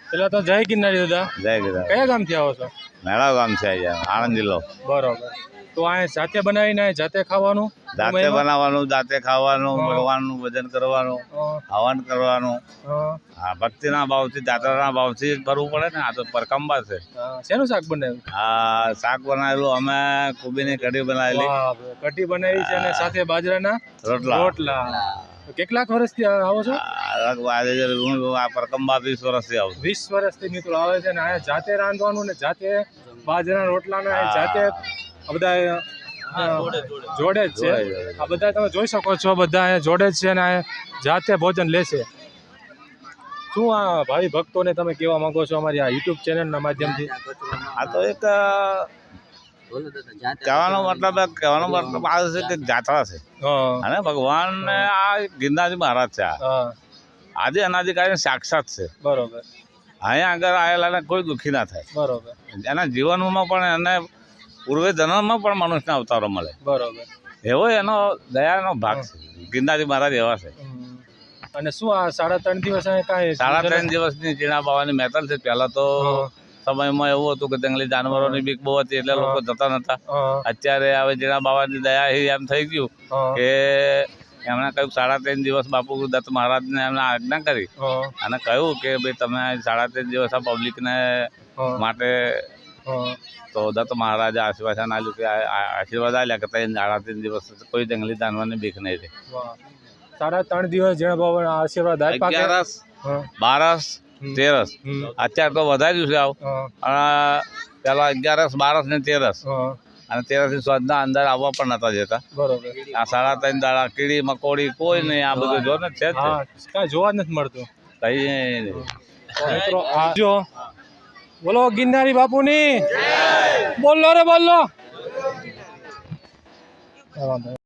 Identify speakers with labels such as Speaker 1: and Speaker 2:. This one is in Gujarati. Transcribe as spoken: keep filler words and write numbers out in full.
Speaker 1: પેલા તો જય ગિરનારી દાદા.
Speaker 2: જય ગિરનાર.
Speaker 1: કયા ગામથી આવો છો?
Speaker 2: મેળાવ ગામ છે અહીંયા, આણંદ જિલ્લો.
Speaker 1: બરોબર. તો આ જાતે બનાવીને અહીં જાતે ખાવાનું,
Speaker 2: જાતે બનાવવાનું, જાતે ખાવાનું, ભગવાનનું ભજન કરવાનું, હવન કરવાનું. હા, ભક્તિના ભાવથી, જાત્રાના ભાવથી જ કરવું પડે ને. આ તો પરકંબા છે.
Speaker 1: શેનું શાક બનાવ્યું?
Speaker 2: આ શાક બનાવેલું અમે કોબીની કઢી બનાવેલી.
Speaker 1: કઢી બનાવી છે અને સાથે બાજરાના
Speaker 2: રોટલા.
Speaker 1: રોટલા. કેટલાક વર્ષથી આવો છો?
Speaker 2: આ પરકંબા વીસ વર્ષથી આવું.
Speaker 1: વીસ વર્ષથી મિત્રો આવે છે ને અહીંયા જાતે રાંધવાનું ને જાતે બાજરાના રોટલાને જાતે બધા જોડે જ છે. આ બધા તમે જોઈ શકો છો, બધા અહીંયા જોડે જ છે અને અહીંયા જાતે ભોજન લેશે. શું આ ભાવિ ભક્તોને તમે કહેવા માંગો છો અમારી આ યુટ્યુબ ચેનલના માધ્યમથી?
Speaker 2: આ તો એક કહેવાનો મતલબ કહેવાનો મતલબ આ છે કે જાત્રા છે અને ભગવાન આ ગિરનારજી મહારાજ છે. આજે અનાદિકાળી સાક્ષાત છે.
Speaker 1: બરોબર.
Speaker 2: અહીંયા આગળ આવેલાને કોઈ દુઃખી ના થાય.
Speaker 1: બરોબર.
Speaker 2: એના જીવનમાં પણ એને પૂર્વે જન્મમાં પણ મનુષ્યના અવતારો મળે.
Speaker 1: બરોબર.
Speaker 2: એવો એનો દયાનો ભાગ છે. ગિરનારજી મહારાજ એવા છે.
Speaker 1: અને શું આ સાડા ત્રણ દિવસ કાંઈ
Speaker 2: સાડા ત્રણ દિવસની ચીણા બાવાની મહેતલ છે. પહેલા તો સમયમાં એવું હતું કે જંગલી જાનવરોની બીક બહુ હતી એટલે લોકો જતા નતા. અત્યારે હવે જીણા બાવાની દયા એમ થઈ ગયું કે એમણે કહ્યું સાડા ત્રણ દિવસ બાપુ દત્ત મહારાજને એમને આજ્ઞા કરી અને કહ્યું કે ભાઈ તમે સાડા ત્રણ દિવસ આ પબ્લિકને માટે તો દત્ત મહારાજે આશીર્વાદ આપ્યું કે આશીર્વાદ આપ્યા કે ત્રણ સાડા ત્રણ દિવસ કોઈ જંગલી જાનવરની બીક નહીં રહે.
Speaker 1: સાડા ત્રણ દિવસ જીણા બાબા આશીર્વાદ આપ્યા.
Speaker 2: અગિયારસ, બારસ, તેરસ અત્યારે તો વધાર્યું છે આવ. પેલા અગિયારસ, બારસ ને તેરસ અને તેરસ ની સ્વાદના અંદર આવવા પણ નતા જતા. બરોબર. આ સાડા ત્રણ દાડા કીડી મકોડી કોઈ નહીં, આ બધું જો ને છે જ કાંઈ જોવા જ નથી મળતું. કઈ મિત્રો જો બોલો ગિરનારી બાપુની, બોલો રે બોલો.